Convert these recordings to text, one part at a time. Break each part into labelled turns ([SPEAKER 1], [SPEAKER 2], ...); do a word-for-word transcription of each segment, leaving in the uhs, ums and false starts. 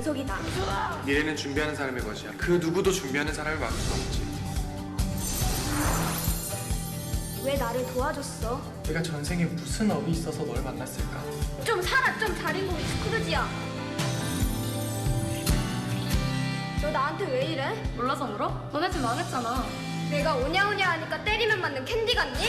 [SPEAKER 1] 속이다.
[SPEAKER 2] 미래는 준비하는 사람의 것이야. 그 누구도 준비하는 사람을 막을 수 없지.
[SPEAKER 1] 왜 나를 도와줬어?
[SPEAKER 2] 내가 전생에 무슨 업이 있어서 널 만났을까?
[SPEAKER 1] 좀 살아, 좀 자린고비 스크루지야. 너 나한테 왜 이래?
[SPEAKER 3] 몰라서 물어? 너네 집 망했잖아.
[SPEAKER 1] 내가 오냐오냐 하니까 때리면 맞는 캔디 같니?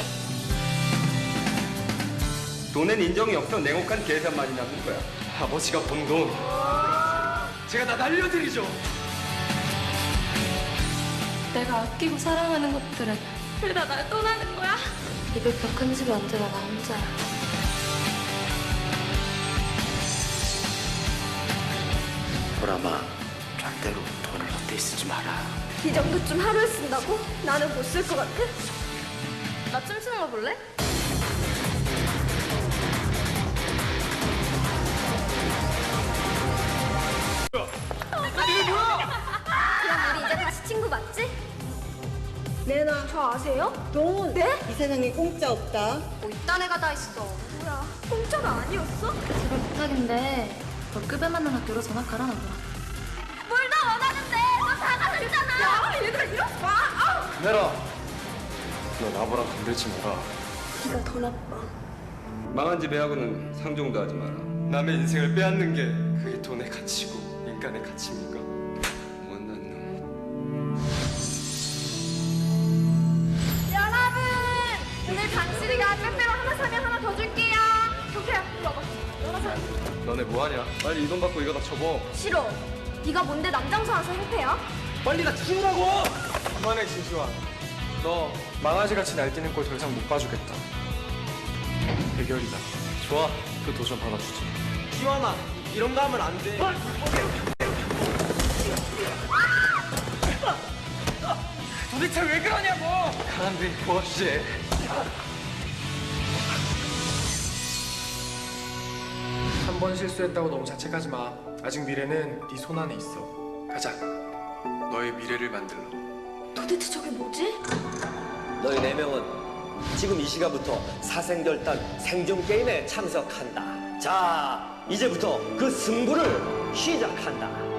[SPEAKER 4] 돈엔 인정이 없어 냉혹한 계산만이 남는 거야.
[SPEAKER 2] 아버지가 번 돈 제가 다 날려드리죠.
[SPEAKER 3] 내가 아끼고 사랑하는 것들은 왜 다 날 떠나는 거야? 이백평 큰 집에 언제나 나 혼자야.
[SPEAKER 5] 보람아, 절대로 돈을 헛되이 쓰지 마라.
[SPEAKER 1] 이 정도쯤 하루에 쓴다고? 나는 못 쓸 것 같아?
[SPEAKER 3] 나 춤추는 거 볼래?
[SPEAKER 1] 그럼 우리 이제 다시 친구 맞지? 네나 저 아세요? 돈? 네?
[SPEAKER 6] 이 세상에 공짜 없다.
[SPEAKER 1] 뭐 이딴 애가 다 있어. 뭐야 공짜가 아니었어?
[SPEAKER 3] 제발 부탁인데 너 급여 맞는 학교로 전학 가라 나보라.
[SPEAKER 1] 뭘 더 원하는데 너 다가 됐잖아. 야 얘들아 이러지 마. 아우.
[SPEAKER 2] 내라, 너 나보랑 건들지 마라.
[SPEAKER 1] 네가 더 나빠.
[SPEAKER 4] 망한 집애하고는 상종도 하지 마라.
[SPEAKER 2] 남의 인생을 빼앗는 게 그게 돈의 가치고 인간의 가치입니까?
[SPEAKER 4] 못난 놈.
[SPEAKER 1] 여러분 오늘 당신이가 빼빼로 하나 사면 하나 더 줄게요. 경태야 이리 와봐. 열어서.
[SPEAKER 2] 너네 뭐하냐?
[SPEAKER 4] 빨리 이 돈 받고 이거 다 접어.
[SPEAKER 1] 싫어. 네가 뭔데 남장소 와서 행패야?
[SPEAKER 2] 빨리 다 치우라고! 그만해 진수아. 너 망아지같이 날뛰는 꼴 더 이상 못 봐주겠다. 해결이다. 좋아, 그 도전 받아주지.
[SPEAKER 7] 기완아, 이런 거 하면 안 돼.
[SPEAKER 2] 도대체 왜 그러냐고! 가는데 도와주지. 한 번 실수했다고 너무 자책하지 마. 아직 미래는 네 손 안에 있어. 가자. 너의 미래를 만들러.
[SPEAKER 1] 도대체 저게 뭐지?
[SPEAKER 5] 너희 네 명은 지금 이 시간부터 사생결단 생존 게임에 참석한다. 자, 이제부터 그 승부를 시작한다.